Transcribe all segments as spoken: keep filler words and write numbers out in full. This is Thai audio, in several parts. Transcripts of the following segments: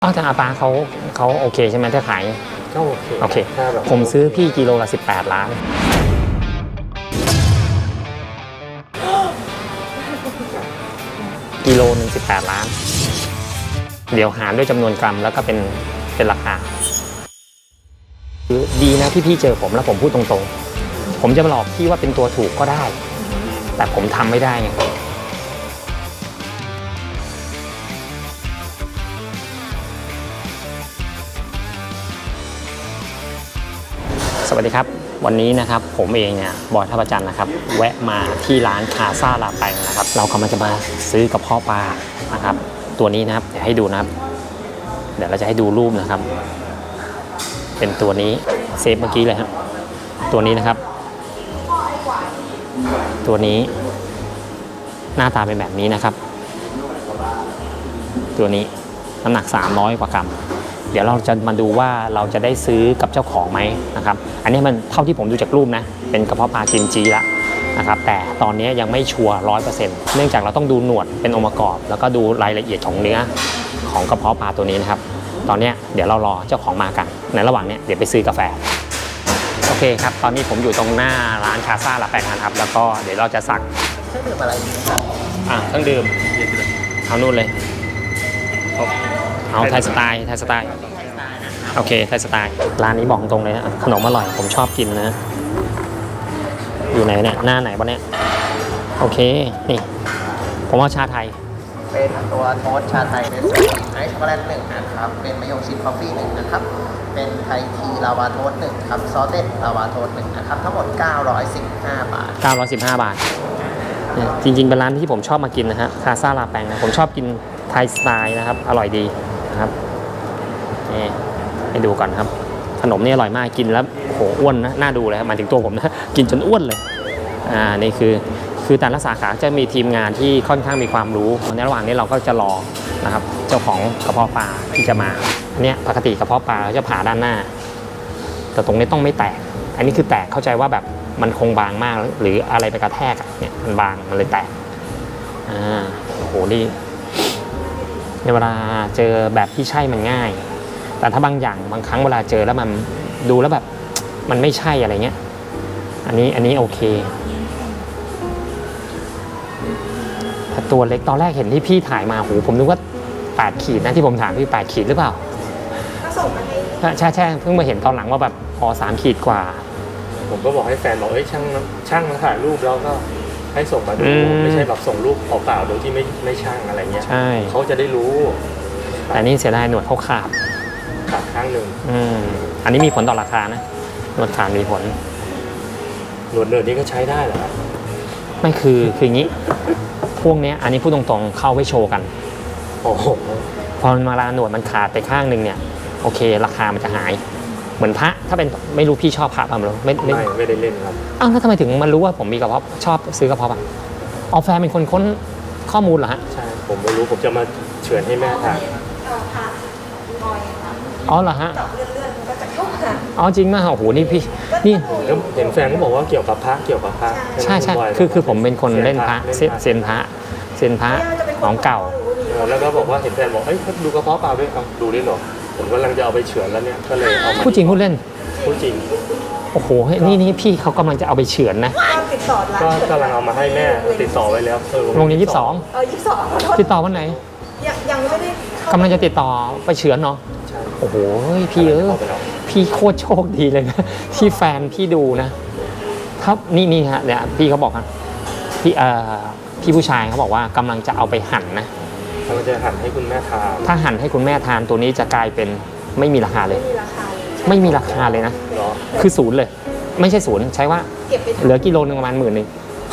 อ๋อแต่อาปาเขาเขาโอเคใช่ไหมถ้าขายก็โอเคโอเคผมซื้อพี่กิโลละสิบแปดล้านกิโลหนึ่งสิบแปดล้านเดี๋ยวหารด้วยจำนวนกรัมแล้วก็เป็นเป็นราคาดีนะที่พี่เจอผมแล้วผมพูดตรงๆผมจะมาหลอกพี่ว่าเป็นตัวถูกก็ได้แต่ผมทำไม่ได้ไงสวัสดีครับวันนี้นะครับผมเองเนี่ยบอยท่าประจันนะครับแวะมาที่ร้านคาซาลาแปงนะครับเรากำลังจะมาซื้อกระเพาะปลานะครับตัวนี้นะครับเดี๋ยวให้ดูนะครับเดี๋ยวเราจะให้ดูรูปนะครับเป็นตัวนี้เซฟเมื่อกี้เลยครับตัวนี้นะครับตัวนี้หน้าตาเป็นแบบนี้นะครับตัวนี้น้ำหนักสามร้อยกว่ากรัมเดี๋ยวเราจะมาดูว่าเราจะได้ซื้อกับเจ้าของไหมนะครับอันนี้มันเท่าที่ผมดูจากรูปนะเป็นกระเพาะปลากิมจิละนะครับแต่ตอนนี้ยังไม่ชัวร์ร้อยเปอร์เซ็นต์เนื่องจากเราต้องดูหนวดเป็นองค์ประกอบแล้วก็ดูรายละเอียดของเนื้อของกระเพาะปลาตัวนี้นะครับตอนนี้เดี๋ยวเรารอเจ้าของมากันในระหว่างนี้เดี๋ยวไปซื้อกาแฟโอเคครับตอนนี้ผมอยู่ตรงหน้าร้านคาซาลาแปงนะครับแล้วก็เดี๋ยวเราจะสั่งเครื่องดื่มอะไรครับอ่าเครื่องดื่มเอานู่นเลยเอาไทยสไตล์ไทยสไตล์โอเคไทยสไตล์ร้านนี้บอกตรงเลยนะขนมอร่อยผมชอบกินนะอยู่ไหนเนี่ยหน้าไหนวะเนี่ยโอเคนี่ผมว่าชาไทยเป็นตัวโทสชาไทยเป็นไอซ์ช็อกโกแลตหนึ่งนะครับเป็นมะยงชิดคอฟฟี่หนึ่งนะครับเป็นไทยทีลาวาโทสหนึ่งครับซอสเต็ดลาวาโทสหนึ่งนะครับทั้งหมดเก้าร้อยสิบห้าบาทเก้าร้อยสิบห้าบาทจริงๆเป็นร้านที่ผมชอบมากินนะฮะคาซาลาแปงนะผมชอบกินไทยสไตล์นะครับอร่อยดีนะครับนี่ให้ดูก่อนครับขนมนี่อร่อยมากกินแล้วโหอ้วนนะน่าดูเลยครับมาถึงตัวผมนะกินจนอ้วนเลยอ่านี่คือคือแต่ละสาขาจะมีทีมงานที่ค่อนข้างมีความรู้ในระหว่างนี้เราก็จะรอนะครับเจ้าของกระเพาะปลาที่จะมาเนี่ยปกติกระเพาะปลาเราจะผ่าด้านหน้าแต่ตรงนี้ต้องไม่แตกอันนี้คือแตกเข้าใจว่าแบบมันคงบางมากหรืออะไรไปกระแทกเนี่ยมันบางมันเลยแตกอ่าโอ้โหนี่ในเวลาเจอแบบที่ใช่มันง่ายแต่ถ้าบางอย่างบางครั้งเวลาเจอแล้วมันดูแล้วแบบมันไม่ใช่อะไรเงี้ยอันนี้อันนี้โอเคแต่ตัวเล็กตอนแรกเห็นที่พี่ถ่ายมาโหผมนึกว่าแปดขีดนะที่ผมถามพี่แปดขีดหรือเปล่าก็ส่งมาให้ใช่ใช่เพิ่งมาเห็นตอนหลังว่าแบบพอสามขีดกว่าผมก็บอกให้แฟนบอกเอ้ยช่างช่างมาถ่ายรูปแล้วก็ให้ส่งมาดูไม่ใช่แบบส่งรูปเปล่าๆโดยที่ไม่ไม่ช่างอะไรเงี้ยใช่เขาจะได้รู้แต่นี่เสียดายหนวดเขาขาดขาดข้างหนึ่งอืมอันนี้มีผลต่อราคานะหนวดขาดมีผลหนวดเนิร์ดนี้ก็ใช้ได้เหรอไม่คือคืออย่างนี้พวกนี้อันนี้พูดตรงๆเข้าไว้โชว์กันโอ้โหพอมันมาลาหนวดมันขาดไปข้างหนึ่งเนี่ยโอเคราคามันจะหายเหมือนพระถ้าเป็นไม่รู้พี่ชอบพระป่ะไม่รู้ไม่ไม่ไม่ได้เล่นครับอ้าวแล้วทำไมถึงมันรู้ว่าผมมีกระเพาะชอบซื้อกระเพาะป่ะออแฟนเป็นคนค้นข้อมูลเหรอฮะใช่ผมไม่รู้ผมจะมาเฉือนให้แม่ทานอ๋อเหรอฮะเลื่อนๆก็จะเข้ามาอ๋อจริงมากโอ้โหนี่พี่นี่เห็นแฟนก็บอกว่าเกี่ยวกับพระเกี่ยวกับพระใช่ใช่คือคือผมเป็นคนเล่นพระเซนพระเซนพระของเก่าแล้วก็บอกว่าเห็นแฟนบอกเอ้ยดูกระเพาะปลาด้วยเอาดูได้หรอผมกำลังจะเอาไปเฉือนแล้วเนี่ยก็เลยเอาพูดจริงพูดเล่นพูดจริงโอ้โหนี่นี่พี่เขากำลังจะเอาไปเฉือนนะติดต่อร้านก็กำลังเอามาให้แม่ติดต่อไว้แล้วโรงเรียนยี่สิบสองเออยี่สิบสองติดต่อวันไหนยังยังไม่ได้กำลังจะติดต่อไปเฉือนเนาะโอ้โหพี่เออพี่โคตรโชคดีเลยนะที่แฟนพี่ดูนะครับนี่นี่ฮะเนี่ยพี่เขาบอกครับพี่เอ่อพี่ผู้ชายเขาบอกว่ากำลังจะเอาไปหั่นนะกำลังจะหั่นให้คุณแม่ทานถ้าหั่นให้คุณแม่ทานตัวนี้จะกลายเป็นไม่มีราคาเลยไม่มีราคาเลยนะคือศูนย์เลยไม่ใช่ศูนย์ใช้ว่าเหลือกิโลนึงประมาณหมื่นนึง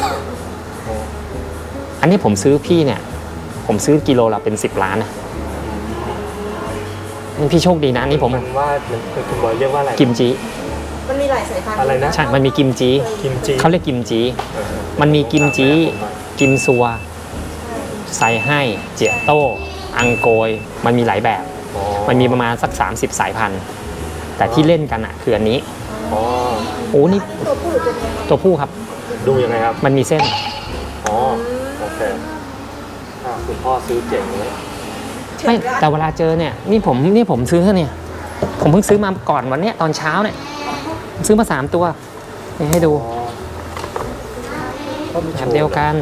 อันนี้ผมซื้อพี่เนี่ยผมซื้อกิโลละเป็นสิบล้านนะนี่พี่โชคดีนะนี่ผมมันว่าคุณบอยเรียกว่าอะไรกิมจิมันมีหลายสายพันธุ์อะไรนะใช่มันมีกิมจิกิมจิเขาเรียกกิมจิมันมีกิมจิกิมซัวไซให้เจียโต้อังโกยมันมีหลายแบบมันมีประมาณสักสามสิบสายพันธุ์แต่ที่เล่นกันอ่ะคืออันนี้อ๋อโอ้นี่ตัวผู้หรือตัวเมียตัวผู้ครับดูยังไงครับมันมีเส้นอ๋อโอเคคุณพ่อซื้อเจ๋งเลยเฉื่ไม่อยได้แต่เวลาเจอเนี่ยนี่ผมนี่ผมซื้อเนี่ยผมเพิ่งซื้อมาก่อนวันเนี้ยตอนเช้าเนี่ยซื้อมาสามตัวนี่ให้ดูก็มีแบโชบว์เดียวกัน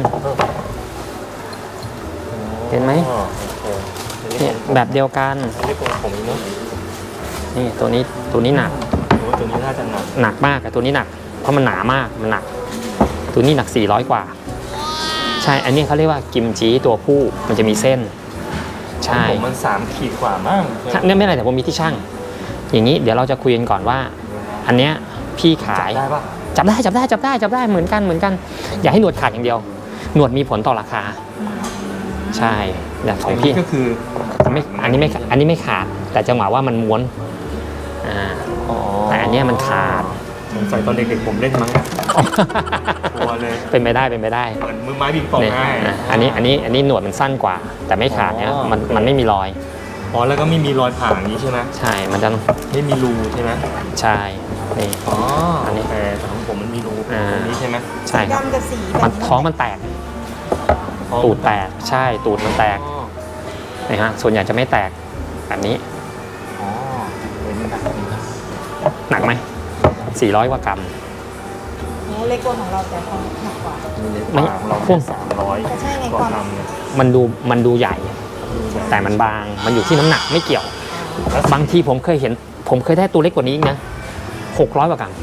เห็นไหมอ๋อโอเคเนี่ยแบบเดียวกันอันนี้ของผมเนาะนี่ตัวนี้ตัวนี้หนักโอ้ตัวนี้น่าจะหนักหนักมากอะตัวนี้หนัก เพราะมันหนามากมันหนัก ตัวนี้หนักสี่ร้อยกว่า ใช่อันนี้เขาเรียกว่ากิมจิตัวผู้มันจะมีเส้น ใช่ผมมันสามขีดกว่ามั้งถ้าเนี่ยไม่เป็นไรแต่ผมมีที่ช่าง อย่างนี้เดี๋ยวเราจะคุยกันก่อนว่า อันเนี้ยพี่ขายได้ปะจับได้จับได้จับได้จับได้เหมือนกันเหมือนกัน อย่าให้หนวดขาดอย่างเดียว หนวดมีผลต่อราคา ใช่อย่างของพี่ก็คือไม่อันนี้ไม่อันนี้ไม่ขาด แต่จังหวะว่ามันม้วนอ่าอ๋อแต่อันเนี้ยมันขาดสงสัยตอนเด็กๆผมเล่นมั้งกลัวเลยเป็นไปได้เป็นไปได้เหมือนมือไม้บิงปองเนี่ยง่ายอ่ะอันนี้อันนี้อันนี้หนวดมันสั้นกว่า แต่ไม่ขาดเนี่ยอ๋อมันมันไม่มีรอยอ๋อแล้วก็ไม่มีรอยผ่าอย่างนี้ใช่ไหมใช่มันจะไม่มีรูใช่ไหมใช่นี่อ๋ออันนี้แต่ของผมมันมีรูอ่าตรงนี้ใช่ไหมใช่ครับดำกับสีแบมันบนี้ท้องมันแตก ตูดแตกใช่ตูดมันแตกอ๋อนะฮะส่วนใหญ่จะไม่แตกแบบนี้อ๋อเป็นหนักจริงนะหนักไหมสี่ร้อยกว่ากรัมเนี่ยเล็กกว่าของเราแต่ความหนักกว่ามีในไม่ปากเราพวกสามร้อยแต่ใช่ไงกว่าความกรัมเนี่ยมันดูมันดูใหญ่ แต่มันบางมันอยู่ที่น้ำหนักไม่เกี่ยว บางทีผมเคยเห็น ผมเคยได้ตัวเล็กกว่านี้อีกนะหกร้อยกว่ากรัม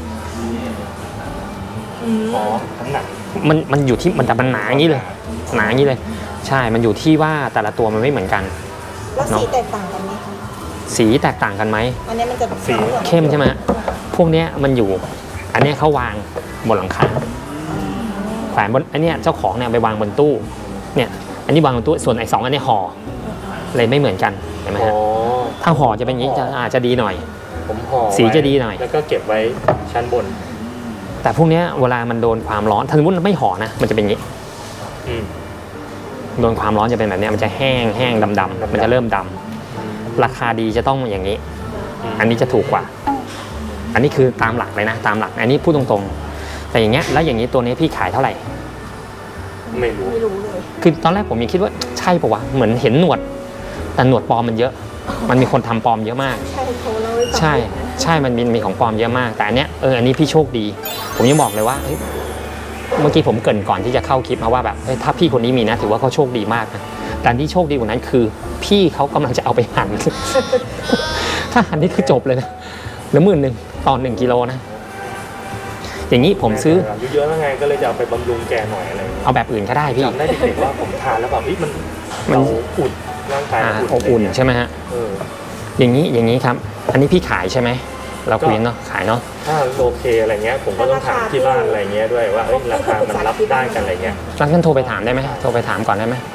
อืมอ๋อน้ำหนักมันมันอยู่ที่มันแต่มันหนาอย่างนี้เลย หนาอย่างนี้เลย ใช่มันอยู่ที่ว่าแต่ละตัวมันไม่เหมือนกันแล้วสีแตกต่างกันไหมคะสีแตกต่างกันไหมอันนี้มันจะสีเข้มใช่ไหมพวกเนี้ยมันอยู่ อันเนี้ยเขาวางบนหลังคาแขวนบนอันเนี้ยเจ้าของเนี่ยไปวางบนตู้ เนี่ย อันนี้วางบนตู้ ส่วนไอ้สองอันเนี้ยห่อเลยไม่เหมือนกัน เห็นไหมอ๋อฮะถ้าห่อจะเป็นอย่างนี้จะอาจจะดีหน่อยผมห่อสีไว้จะดีหน่อยแล้วก็เก็บไว้ชั้นบนแต่พวกเนี้ยเวลามันโดนความร้อนถ้าสมมติไม่ห่อนะ มันจะเป็นอย่างนี้อืมโดนความร้อนจะเป็นแบบเนี้ยมันจะแห้งแห้งดำดำๆมันจะเริ่มดำราคาดีจะต้องอย่างนี้ อันนี้จะถูกกว่า อันนี้คือตามหลักเลยนะ ตามหลัก อันนี้พูดตรงๆ แต่อย่างเงี้ย แล้วอย่างนี้ตัวนี้พี่ขายเท่าไหร่ไม่รู้ไม่รู้เลยคือตอนแรกผมยังคิดว่าใช่ปะวะ เหมือนเห็นหนวด แต่หนวดปลอมมันเยอะ มันมีคนทำปลอมเยอะมากใช่เขาเล่าให้ฟังใช่ ใช่ มันมีมีของปลอมเยอะมาก แต่อันเนี้ย เออ อันนี้พี่โชคดี ผมยังบอกเลยว่าเฮ้ยเมื่อกี้ผมเกรินก่อนที่จะเข้าคลิปมาว่าแบบเฮ้ยถ้าพี่คนนี้มีนะ ถือว่าเขาโชคดีมากนะแต่ที่โชคดีกว่านั้นคือ พี่เขากำลังจะเอาไปหั่น ถ้าหั่นนี่คือจบเลยนะเหลือหมื่นหนึ่งต่อหนึ่งกิโลนะ อย่างนี้ผมซื้ออายุเยอะแล้วไงก็เลยจะเอาไปบำรุงแกหน่อยอะไรอย่างเงี้ยเอาแบบอื่นก็ได้พี่จำได้เด็กๆว่าผมทานแล้วแบบเฮ้ยมันมันเราอุ่นร่างกายอ่าเราอบอุ่นใช่ไหมฮะเอออย่างนี้อย่างนี้ครับ อันนี้พี่ขายใช่ไหม เราคุยเนาะขายเนาะถ้าโอเคอะไรเงี้ยผมก็ต้องถามที่บ้านอะไรเงี้ยด้วยว่าเอ้ยราคามันรับได้กันอะไรเงี้ยรักกันโทรไปถามได้ไหมโทรไปถามก่อนได้ไหม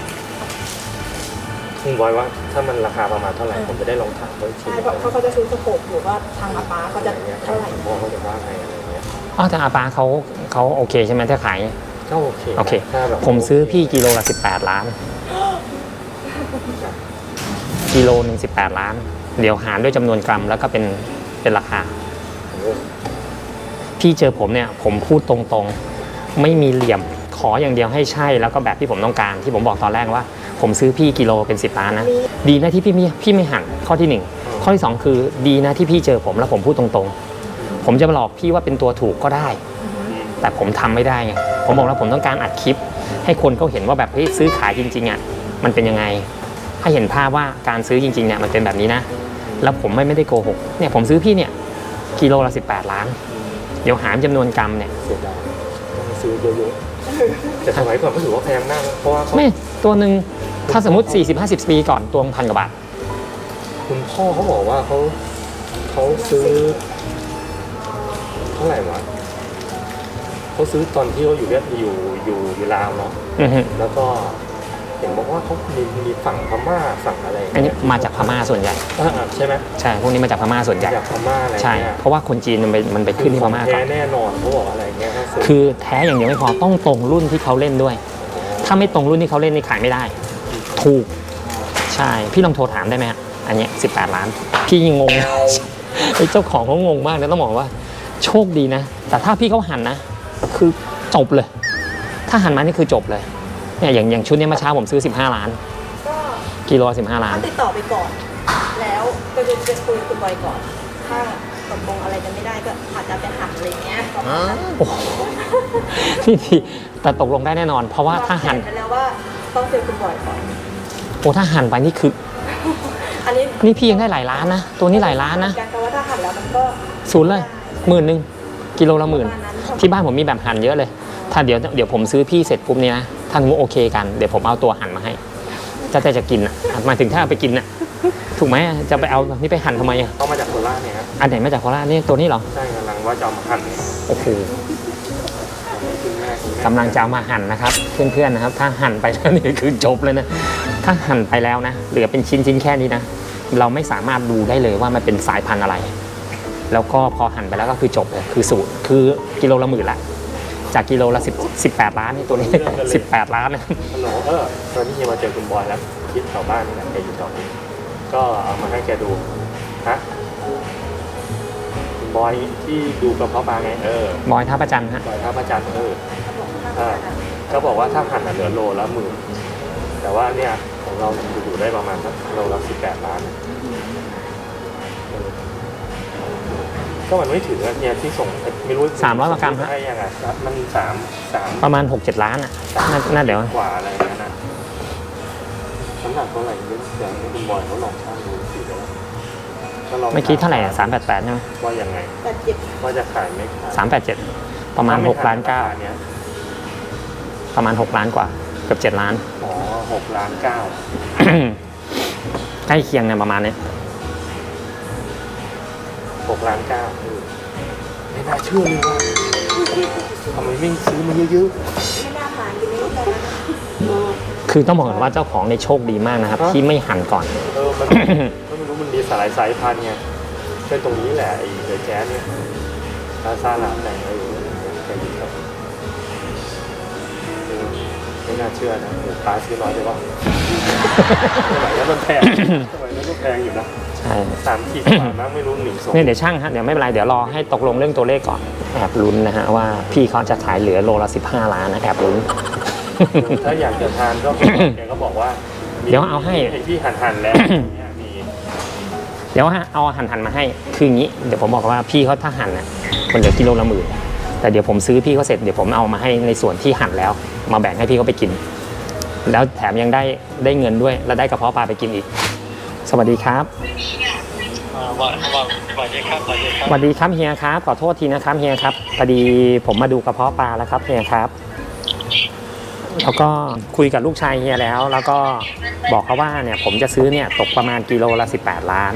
คุณบอยว่าถ้ามันราคาประมาณเท่าไหร่ผมจะได้ลองถามเขาอีกทีใช่เพราะเพราะเขาจะซื้อสโคปอยู่ว่าทางอาป้าเขาจะอะไรเงี้ยเท่าไหร่พ่อเขาจะว่าไงอะไรเงี้ยอ๋อแต่อาปาเขาเขาโอเคใช่ไหมถ้าขายก็โอเคนะโอเคถ้าแบบผมซื้อพี่กิโลละสิบแปดล้าน กิโลหนึ่งสิบแปดล้าน เดี๋ยวหารด้วยจำนวนกรัมแล้วก็เป็นเป็นราคาโอ้พี่เจอผมเนี่ย ผมพูดตรงๆ ไม่มีเหลี่ยม ขออย่างเดียวให้ใช่แล้วก็แบบที่ผมต้องการที่ผมบอกตอนแรกว่า ผมซื้อพี่กิโลเป็นสิบล้านนะ ดีนะที่พี่ไม่พี่ไม่หันข้อที่หนึ่งข้อที่สองคือดีนะที่พี่เจอผมแล้วผมพูดตรงๆ ผมจะมาหลอกพี่ว่าเป็นตัวถูกก็ได้ แต่ผมทำไม่ได้ไงผมบอกแล้วผมต้องการอัดคลิป ให้คนเขาเห็นว่าแบบเฮ้ยซื้อขายจริงๆอ่ะมันเป็นยังไงให้เห็นภาพว่าการซื้อจริงๆเนี่ยมันเป็นแบบนี้นะแล้วผมไม่ไม่ได้โกหกเนี่ยผมซื้อพี่เนี่ยกิโลละสิบแปดล้าน เดี๋ยวหารจำนวนกรัมเนี่ยเสียดายต้องซื้อเยอะๆแต่สมัยก่อนก็ถือว่าแพงมากนะเพราะว่าเขาไม่ตัวหนึ่งถ้าสมมติ สี่สิบห้าสิบ ปีก่อนตัวพันกว่าบาทคุณพ่อเขาบอกว่าเขาเขาซื้อเท่าไหร่วะเขาซื้อตอนที่เขาอยู่เวียดอยู่อยู่อยู่ลาวเนาะอือฮึแล้วก็เห็นบอกว่าเขามีมีฝั่งพม่าฝั่งอะไรอันนี้มาจากพม่าส่วนใหญ่อ่าใช่ไหมใช่พวกนี้มาจากพม่าส่วนใหญ่จากพม่าอะไรใช่เงี้ยเพราะว่าคนจีนมันไปมันไปขึ้นที่พม่าแท้ก่อนแน่นอนเขาบอกอะไรเงี้ยเขาซื้อคือแท้อย่างเดียวไม่พอต้องตรงรุ่นที่เขาเล่นด้วย ถ้าไม่ตรงรุ่นที่เขาเล่นนี่ขายไม่ได้ ถูก ใช่ พี่ลองโทรถามได้ไหมฮะอันเนี้สิบแปดล้าน พี่ยังงง ไอ้เจ้าของเขางงมากนะต้องบอกว่า โชคดีนะ แต่ถ้าพี่เขาหันนะ คือจบเลย ถ้าหันมานี่คือจบเลยเนี่ยอย่างอย่างชุดนี้เมื่อเช้าผมซื้อสิบห้าล้านก็กิโลสิบห้าล้านถ้าติดต่อไปก่อน แล้วก็จะจะคุยกับคุณบอยก่อน ถ้าตกลงอะไรกันไม่ได้ก็อาจจะไปหักอะไรเงี้ยประมาณนั้นโอ้โหพี่ทีแต่ตกลงได้แน่นอน เพราะว่าถ้าหั่นเรแผไปแล้วว่าต้องเจอคุณบอยก่อนโอ้ถ้าหั่นไปนี่คืออันนี้นี่พี่ยังได้หลายล้านนะ ตัวนี้หลายล้านนะการแต่ว่าถ้าหันแล้วมันก็ศูนย์เลยหมื่นหนึ่งกิโลละหมื่นประมาณนั้นที่บ้านผมมีแบบหั่นเยอะเลย ถ้าเดี๋ยวเดี๋ยวผมซื้อพี่เสร็จปุ๊บเนี่ยนะถ้าสมมติโอเคกันเดี๋ยวผมเอาตัวหั่นมาให้จะแต่จะกินอ่ะหมายถึงถ้าเอาไปกินอ่ะถูกไหมจะไปเอานี่ไปหั่นทำไมอ่ะเข้ามาจากโคราชเนี่ยครับอันไหนมาจากโคราชนี่ตัวนี้เหรอใช่กำลังว่าจะเอามาหั่นโอ้โหคุณแม่คุณแม่กำลังจะเอามาหั่นนะครับ เพื่อนๆนะครับ ถ้าหั่นไปแล้วนี่คือจบเลยนะถ้าหั่นไปแล้วนะเหลือเป็นชิ้นๆแค่นี้นะเราไม่สามารถดูได้เลยว่ามันเป็นสายพันธุ์อะไร แล้วก็พอหั่นไปแล้วก็คือจบเลยคือสูตรคือกิโลละหมื่นละจากกิโลละสิบสิบแปดล้านนี่ตัวนี้ สิบแปดล้านนะฮัลโหลเออตอนนี้เฮียมาเจอคุณบอยแล้วคิดแถวบ้านนี่แหละแกอยู่แถวนี้ก็เอามาให้แกดูฮะคุณบอยที่ดูกระเพาะปลาไงเออบอยท่าประจันทร์ฮะบอยท่าพระจันทร์เอออ่าก็บอกว่าถ้าหั่นอ่ะเหลือโลละหมื่นแต่ว่าเนี่ยของเราอยู่ได้ประมาณสักโลละสิบแปดล้านเออก็มันไม่ถึงอะเนี่ยที่ส่งไม่รู้สามร้อยกว่ากรัมฮะให้ยังไงมันสามสามประมาณหกเจ็ดล้านอ่ะน่าน่าเดี๋ยวกว่าอะไรนั่นนะน้ำหนักเท่าไหร่เนี่ยเดี๋ยวให้คุณบอยเขาลองชั่งดูสิเดี๋ยวก็ลองเมื่อกี้เท่าไหร่อ่ะสามแปดแปดใช่ไหมว่ายังไงแต่เจ็บว่าจะขายไม่ขายสามแปดเจ็ดประมาณหกล้านเก้าเนี่ยประมาณหกล้านกว่าเกือบเจ็ดล้านอ๋อหกล้านเก้าใกล้เคียงเนี่ยประมาณนี้หกล้านเก้าเออไม่น่าเชื่อเลยว่าทำไมไม่ซื้อมาเยอะไม่น่าผ่านกินไม่ได้นะคือต้องบอกก่อนว่าเจ้าของในโชคดีมากนะครับ ที่ไม่หั่นก่อนๆเออมัน ก็ไม่รู้มันมีสายสายพันธุ์ไงเป็นตรงนี้แหละไอ้เดอะแจ๊สเนี่ยซาซาลาแต่งเออแกดีครับเออไม่น่าเชื่อนะหมูปลาซื้อน้อยไปวะสมัยนั้นมันแพงสมัยนั้นก็แพงอยู่นะใช่สามขีดกว่ามั้งไม่รู้หนึ่งสองเนี่ยเดี๋ยวช่างฮะเดี๋ยวไม่เป็นไรเดี๋ยวรอให้ตกลงเรื่องตัวเลขก่อนแอบลุ้นนะฮะว่าพี่เขาจะขายเหลือโลละสิบห้าล้านนะแอบลุ้นถ้าอยากจะทานก็แกก็บอกว่ามีเดี๋ยวเอาให้ไอ้ที่หั่นหั่นๆแล้วเนี่ยมีเดี๋ยวฮะเอาหั่นหั่นๆมาให้คืออย่างนี้เดี๋ยวผมบอกว่าพี่เขาถ้าหั่นน่ะมันเหลือกิโลละหมื่นแต่เดี๋ยวผมซื้อพี่เขาเสร็จเดี๋ยวผมเอามาให้ในส่วนที่หั่นแล้ว มาแบ่งให้พี่เขาไปกิน แล้วแถมยังได้ได้เงินด้วยแล้วได้กระเพาะปลาไปกินอีก สวัสดีครับอ่าวันวันวันนี้ครับวันนี้คสรับวัสดีครับเฮียครับขอโทษทีนะครับเฮียครับพอดีผมมาดูกระเพาะปลาแล้วครับเฮียครับแล้วก็คุยกับลูกชายเฮียแล้ว แล้วก็บอกเขาว่าเนี่ยผมจะซื้อเนี่ยตกประมาณกิโลละสิบแปดล้าน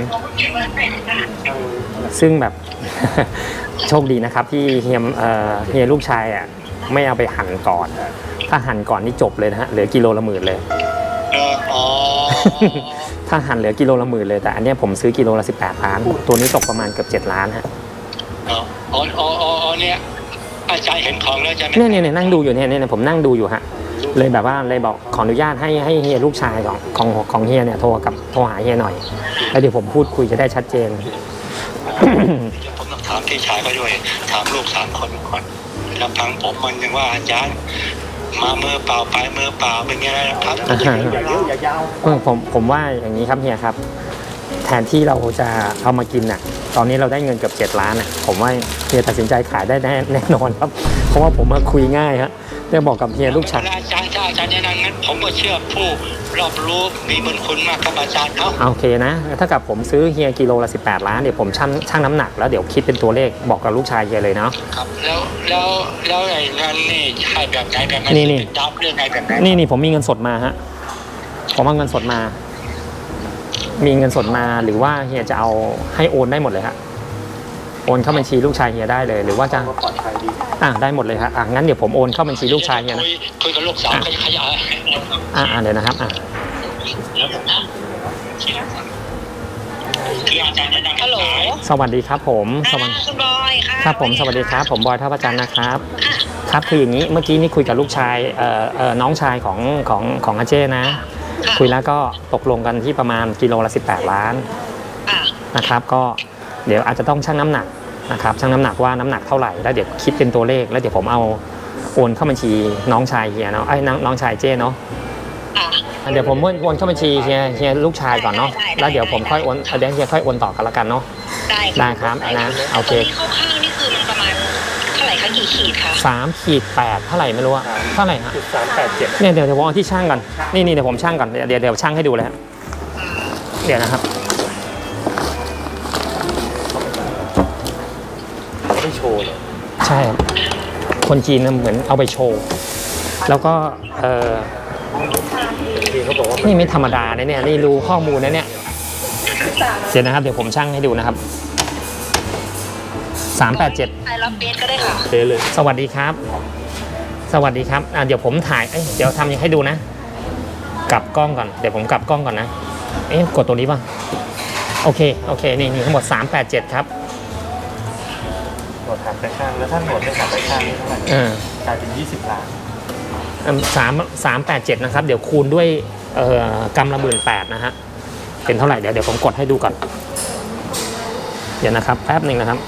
ซึ่งแบบ โชคดีนะครับที่เฮียเอ่อเฮียลูกชายอ่ะไม่เอาไปหั่นก่อน ถ้าหั่นก่อนนี่จบเลยนะฮะเหลือกิโลละหมื่นเลยเอออ๋อถ้าหั่นเหลือกิโลละหมื่นเลยแต่อันเนี้ยผมซื้อกิโลละสิบแปดล้าน ตัวนี้ตกประมาณเกือบเจ็ดล้านฮะอ๋ออ๋ออ๋ออ๋อเนี่ยอาจารย์เห็นของแล้วใช่ไหมเนี่ยเนี่ยเนี่ยนั่งดูอยู่เนี่ยเนี่ยผมนั่งดูอยู่ฮะเลยแบบว่าเลยบอกขออนุญาตให้ให้เฮียลูกชายของของของเฮียเนี่ยโทรกับโทรหาเฮียหน่อยแล้วเดี๋ยวผมพูดคุยจะได้ชัดเจนเดี๋ยวผมต้องถามพี่ชายเขาด้วยถามลูกสามคนก่อนลำพังผมมันยังว่าอาจารย์มามือเปล่าไปมือเปล่าเป็นไงนะครับอ่าฮะอย่าเยอะอย่ายาวเออผมผมว่าอย่างนี้ครับเฮียครับ แทนที่เราจะเอามากินน่ะ ตอนนี้เราได้เงินเกือบเจ็ดล้านน่ะผมว่าเฮียตัดสินใจขายได้แน่แน่นอนครับ เพราะว่าผมมาคุยง่ายฮะได้บอกกับเฮียลูกชายอาจารย์ถ้าอาจารย์แนะนำงั้นผมก็เชื่อผู้รอบรู้มีบุญคุณมากครับอาจารย์เขาโอเคนะถ้ากับผมซื้อเฮียกิโลละสิบแปดล้านเดี๋ยวผมชั่งชั่งน้ำหนักแล้วเดี๋ยวคิดเป็นตัวเลขบอกกับลูกชายเฮียเลยเนาะครับแล้วแล้วแล้วไอ้เงินนี่ใช่แบบไหนแบบไหนนี่นี่ดับเรื่องไงแบบไหนนี่นี่ผมมีเงินสดมาฮะผมเอาเงินสดมา มีเงินสดมาหรือว่าเฮียจะเอาให้โอนได้หมดเลยฮะโอนเข้าบัญชีลูกชายเฮียได้เลย หรือว่าจะก็ปลอดภัยดีอ่ะได้หมดเลยฮะอ่ะงั้นเดี๋ยวผมโอนเข้าบัญชีลูกชายเฮียนะคุยคุยกับลูกสาวเขาจะขยายอ่ะอ่ะเดี๋ยวนะครับอ่ะคืออาจารย์แนะนำฮัลโหลสวัสดีครับผมสวัสดีคุณบอยค่ะครับผมสวัสดีครับ ผมบอยท่าประจันทร์นะครับ ครับคืออย่างนี้เมื่อกี้นี่คุยกับลูกชายเอ่อเอ่อน้องชายของของของอาเจ้นะ คุยแล้วก็ตกลงกันที่ประมาณกิโลละสิบแปดล้านค่ะนะครับ ก็เดี๋ยวอาจจะต้องชั่งน้ำหนักนะครับชั่งน้ำหนักว่าน้ำหนักเท่าไหร่แล้วเดี๋ยวคิดเป็นตัวเลขแล้วเดี๋ยวผมเอาโอนเข้าบัญชีน้องชายเฮียเนาะไอ้ยน้องน้องชายเจ้เนาะค่ะเดี๋ยวผมโอนเข้าบัญชีเฮียเฮียลูกชายก่อนเนาะแล้วเดี๋ยวผมค่อยโอนเดี๋ยวเฮียค่อยโอนต่อกันละกันเนาะได้ได้ครับนะโอเคตัวนี้คร่าวๆนี่คือมันประมาณเท่าไหร่คะกี่ขีดคะสามขีดแปดเท่าไหร่ไม่รู้อะเท่าไหร่ฮะจุดสามแปดเจ็ดเนี่ยเดี๋ยวเดี๋ยวผมเอาที่ช่างก่อนนี่นี่เดี๋ยวผมช่างก่อนเดี๋ยวเดี๋ยวเดี๋ยวช่างให้ดูเลยฮะเดี๋ยวนะครับไม่โชว์เลยใช่ครับคนจีนนะเหมือนเอาไปโชว์แล้วก็เออที่เขาบอกว่านี่ไม่ธรรมดานะเนี่ยนี่รู้ข้อมูลนะเนี่ยเดี๋ยวนะครับเดี๋ยวผมช่างให้ดูนะครับสามแปดเจ็ดไปรับเบสก็ได้ค่ะเทเลยสวัสดีครับ สวัสดีครับอ่ะเดี๋ยวผมถ่ายเอ้ยเดี๋ยวทำยังให้ดูนะ กลับกล้องก่อนเดี๋ยวผมกลับกล้องก่อนนะเอ๊ะกดตัวนี้ป่ะโอเคโอเคนี่นี่ทั้งหมดสามแปดเจ็ดครับหนวดหักไปข้างแล้วถ้าหนวดไม่หักไปข้างนี่เท่าไหร่เออกลายเป็นยี่สิบล้านสามสามแปดเจ็ดนะครับเดี๋ยวคูณด้วยเอ่อกำละหมื่นแปดนะฮะเป็นเท่าไหร่เดี๋ยวเดี๋ยวผมกดให้ดูก่อนเดี๋ยวนะครับแป๊บหนึ่งนะครับ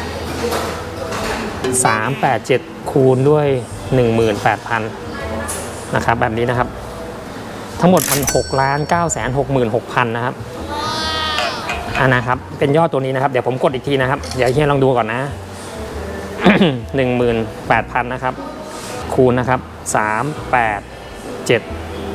สามแปดเจ็ดคูณด้วยหนึ่งหมื่นแปดพันนะครับแบบนี้นะครับทั้งหมดมันหกล้านเก้าแสนหกหมื่นหกพันนะครับอ่านะครับเป็นยอดตัวนี้นะครับเดี๋ยวผมกดอีกทีนะครับเดี๋ยวเฮียลองดูก่อนนะ หนึ่งหมื่นแปดพันนะครับคูณนะครับสามแปดเจ็ด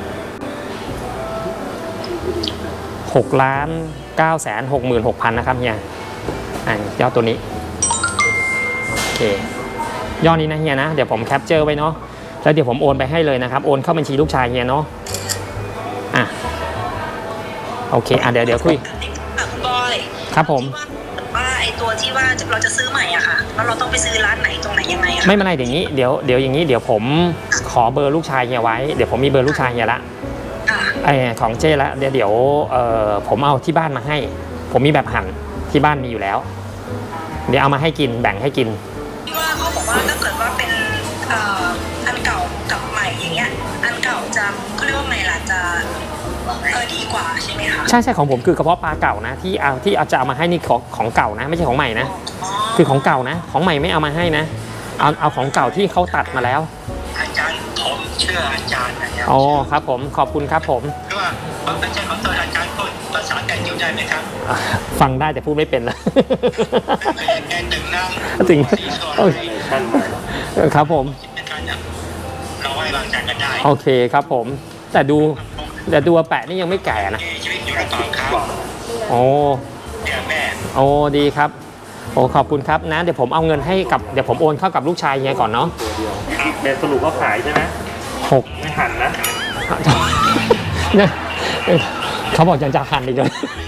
หกล้านเก้าแสนหกหมื่นหกพันนะครับเฮียอ่ายอดตัวนี้โอเคยอดนี้นะเฮียนะเดี๋ยวผมแคปเจอร์ไว้เนาะแล้วเดี๋ยวผมโอนไปให้เลยนะครับโอนเข้าบัญชีลูกชายเฮียเนาะอ่ะโอเคอ่ะเดี๋ยวเดี๋ยวคุยอ่ะคุณบอยครับผมว่าไอตัวที่ว่าเราจะซื้อใหม่อะค่ะแล้วเราต้องไปซื้อร้านไหนตรงไหนยังไงอะคะไม่เป็นไรอย่างนี้เดี๋ยวเดี๋ยวอย่างนี้เดี๋ยวผมขอเบอร์ลูกชายเฮียไว้เดี๋ยวผมมีเบอร์ลูกชายเฮียละค่ะไอของเจ้ละเดี๋ยวเดี๋ยวเอ่อผมเอาที่บ้านมาให้ ผมมีแบบหั่นที่บ้านมีอยู่แล้ว เดี๋ยวเอามาให้กินแบ่งให้กินที่ว่าเขาบอกว่าถ้าเกิดว่าเป็นเอ่ออันเก่ากับใหม่อย่างเงี้ยอันเก่าจะเขาเรียกว่าไงล่ะจะเออดีกว่าใช่ไหมคะใช่ใช่ของผมคือกระเพาะปลาเก่านะที่เอาที่เอาจะเอามาให้นี่ของของเก่านะไม่ใช่ของใหม่นะอ๋อคือของเก่านะ ของใหม่ไม่เอามาให้นะเอาเอาของเก่าที่เขาตัดมาแล้วอาจารย์ผมเชื่ออาจารย์นะครับอ๋อครับผมขอบคุณครับผมคือว่าผมไม่ใช่ของตัวอาจารย์พูดภาษาแกอยู่ได้ไหมครับอ่ะฟังได้แต่พูดไม่เป็นละแกตึงนั่งถึงสีสวยโอเคท่านไปครับผมเป็นการเนี่ยเราไว้วางใจกันได้โอเคครับผม แต่ดูแต่ดูอาแปะนี่ยังไม่แก่นะมีชีวิตอยู่หรือเปล่าครับโอ้เดี๋ยวแม่โอ้ดีครับโอ้ขอบคุณครับนะเดี๋ยวผมเอาเงินให้กับเดี๋ยวผมโอนเข้ากับลูกชายเฮียก่อนเนาะตัวเดียวเป็นสรุปว่าขายใช่ไหมหกไม่หันนะเนี่ยเขาบอกยังจะหันอีกเลย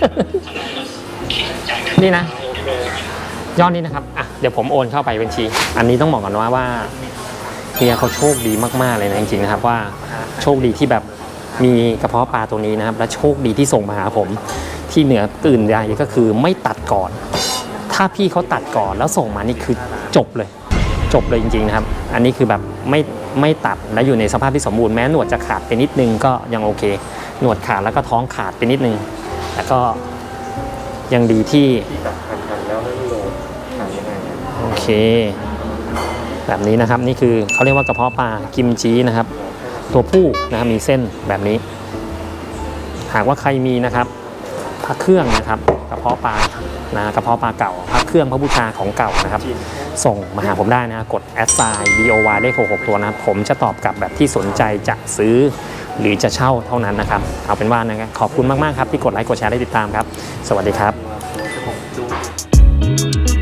นี่นะโอเคยอดนี้นะครับอ่ะเดี๋ยวผมโอนเข้าไปบัญชี อันนี้ต้องบอกก่อนว่าว่าเฮียเขาโชคดีมากๆเลยนะจริงๆนะครับว่าโชคดีที่แบบมีกระเพาะปลาตัวนี้นะครับและโชคดีที่ส่งมาหาผมที่เหนือตื่นใดก็คือไม่ตัดก่อน ถ้าพี่เขาตัดก่อนแล้วส่งมานี่คือจบเลย จบเลยจริงๆนะครับ อันนี้คือแบบไม่ไม่ตัดและอยู่ในสภาพที่สมบูรณ์แม้หนวดจะขาดไปนิดนึงก็ยังโอเค หนวดขาดแล้วก็ท้องขาดไปนิดนึงแต่ก็ยังดีที่ที่แบบหันหันแล้วไม่โหลดขายยังไงอะโอเค แบบนี้นะครับนี่คือเขาเรียกว่ากระเพาะปลากิมจีนะครับ ตัวผู้นะครับมีเส้นแบบนี้ หากว่าใครมีนะครับพระเครื่องนะครับกระเพาะปลานะกระเพาะปลาเก่าพระเครื่องพระบูชาของเก่านะครับจีนส่งมาหาผมได้นะกดแอดไซน์ บี โอ วาย เลขหกหกตัวนะครับผมจะตอบกลับแบบที่สนใจจะซื้อหรือจะเช่าเท่านั้นนะครับเอาเป็นว่านะครับขอบคุณมากๆครับที่กดไลค์กดแชร์ได้ติดตามครับ สวัสดีครับผมดู